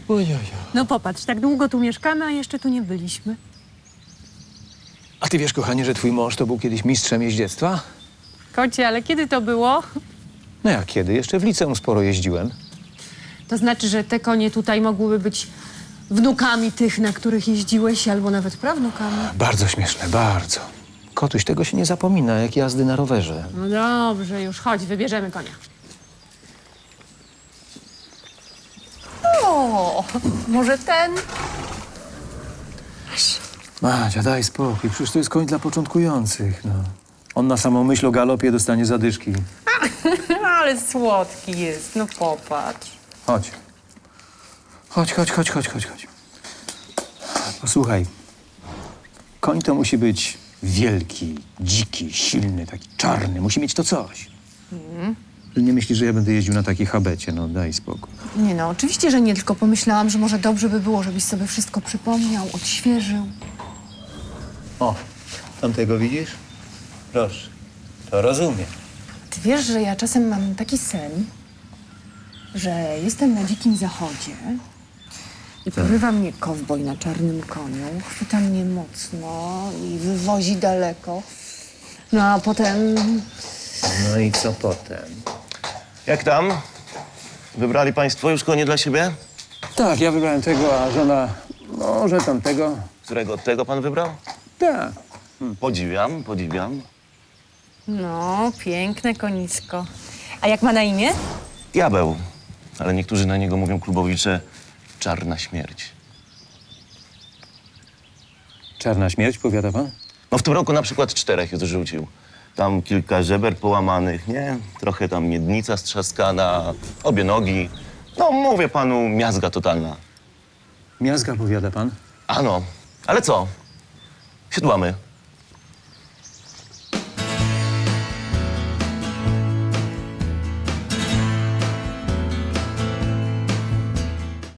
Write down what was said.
Ojojo. No popatrz, tak długo tu mieszkamy, a jeszcze tu nie byliśmy. A ty wiesz, kochanie, że twój mąż to był kiedyś mistrzem jeździectwa? Kocie, ale kiedy to było? No jak kiedy? Jeszcze w liceum sporo jeździłem. To znaczy, że te konie tutaj mogłyby być wnukami tych, na których jeździłeś, albo nawet prawnukami. Bardzo śmieszne, bardzo. Kotuś, tego się nie zapomina, jak jazdy na rowerze. No dobrze, już chodź, wybierzemy konia. O, może ten? Madzia, daj spokój, przecież to jest koń dla początkujących, no. On na samą myśl o galopie dostanie zadyszki. Ale słodki jest, no popatrz. Chodź. Chodź. Posłuchaj. Koń to musi być wielki, dziki, silny, taki czarny. Musi mieć to coś. Nie myślisz, że ja będę jeździł na takiej habecie? No daj spokój. Nie no, oczywiście, że nie, tylko pomyślałam, że może dobrze by było, żebyś sobie wszystko przypomniał, odświeżył. O, tamtego widzisz? Proszę, to rozumiem. Ty wiesz, że ja czasem mam taki sen, że jestem na dzikim zachodzie i porywa mnie kowboj na czarnym koniu, chwyta mnie mocno i wywozi daleko. No a potem... No i co potem? Jak tam? Wybrali państwo już konie dla siebie? Tak, ja wybrałem tego, a żona może tamtego. Którego tego pan wybrał? Tak. Podziwiam. No, piękne konisko. A jak ma na imię? Diabeł. Ale niektórzy na niego mówią klubowicze czarna śmierć. Czarna śmierć, powiada pan? No w tym roku na przykład 4 już rzucił. Tam kilka żeber połamanych, nie? Trochę tam miednica strzaskana, obie nogi. No mówię panu, miazga totalna. Miazga, powiada pan? Ano, ale co? Siodłamy.